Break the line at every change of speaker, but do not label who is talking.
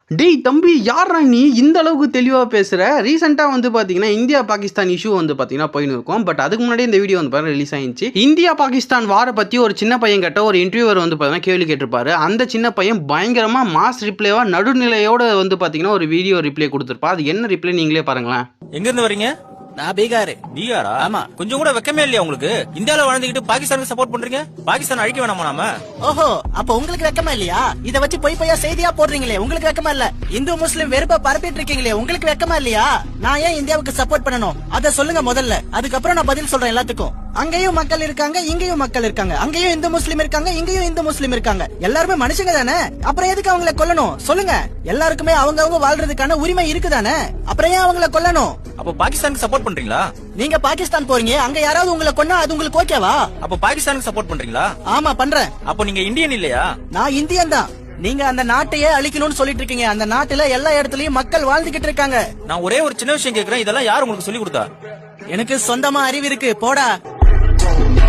டேய் தம்பி, யாரா நீ இந்த அளவுக்கு தெளிவாக பேசுகிற? ரீசெண்டாக வந்து பார்த்தீங்கன்னா இந்தியா பாகிஸ்தான் இஷ்யூ வந்து பார்த்தீங்கன்னா போயின்னு இருக்கும். பட் அதுக்கு முன்னாடி இந்த வீடியோ வந்து பார்த்தீங்கன்னா ரிலீஸ் ஆயிடுச்சு. இந்தியா பாகிஸ்தான் வாரை பற்றி ஒரு சின்ன பையன் கிட்ட ஒரு இன்டர்வியூவர் வந்து பார்த்தீங்கன்னா கேள்வி கேட்டிருப்பாரு. அந்த சின்ன பையன் பயங்கரமாக மாஸ் ரிப்ளைவா நடுநிலையோட வந்து பார்த்தீங்கன்னா ஒரு வீடியோ ரிப்ளை கொடுத்துருப்பா. அது என்ன ரிப்ளை நீங்களே பாருங்களேன்.
எங்கிருந்து வரீங்க?
நான் பீகார்.
பீகாரா?
ஆமா.
கொஞ்சம் கூட வெக்கமே இல்லையா உங்களுக்கு? இந்தியால வாழ்ந்துகிட்டு பாகிஸ்தானுக்கு சப்போர்ட் பண்றீங்க? பாகிஸ்தான் அழிக்க வேணாமா நாம?
ஓஹோ, அப்ப உங்களுக்கு வெக்கமா இல்லையா? இத வச்சு பொய் பொய்யா செய்தியா போடுறீங்களே, உங்களுக்கு வெக்கமா இல்ல? இந்து முஸ்லிம் வெறுப்ப பரப்பிட்டு இருக்கீங்களே, உங்களுக்கு வெக்கமா இல்லையா? நான் ஏன் இந்தியாவுக்கு சப்போர்ட் பண்ணணும் அத சொல்லுங்க முதல்ல. அதுக்கப்புறம் நான் பதில் சொல்றேன் எல்லாத்துக்கும். அங்கேயும் மக்கள் இருக்காங்க, இங்கேயும் மக்கள் இருக்காங்க. அங்கேயும் இந்து முஸ்லிம் இருக்காங்க, இங்கேயும் இந்து முஸ்லிம் இருக்காங்க. எல்லாருமே மனுஷங்க தானே? அப்புறம் எதுக்கு அவங்கள கொல்லணும் சொல்லுங்க? எல்லாருக்குமே அவங்க வாழ்றதுக்கான உரிமை இருக்குதானே? அப்புறம் ஏன் அவங்கள கொல்லணும்?
அப்ப பாகிஸ்தானுக்கு சப்போர்ட் பண்றீங்களா?
நீங்க பாகிஸ்தான் போறீங்க, அங்க யாராவது உங்களை கொன்னா அது உங்களுக்கு ஓகேவா?
அப்ப பாகிஸ்தானுக்கு சப்போர்ட் பண்றீங்களா?
ஆமா பண்றேன்.
அப்ப நீங்க இந்தியன் இல்லையா?
நான் இந்தியன் தான். நீங்க அந்த நாட்டையே அழிக்கணும்னு சொல்லிட்டு இருக்கீங்க. அந்த நாட்டுல எல்லா இடத்துலயும் மக்கள் வாழ்ந்துகிட்டு இருக்காங்க.
நான் ஒரே ஒரு சின்ன விஷயம் கேக்குறேன், இதெல்லாம் யார் உங்களுக்கு சொல்லி கொடுத்தா?
எனக்கு சொந்தமா அறிவு இருக்கு, போடா.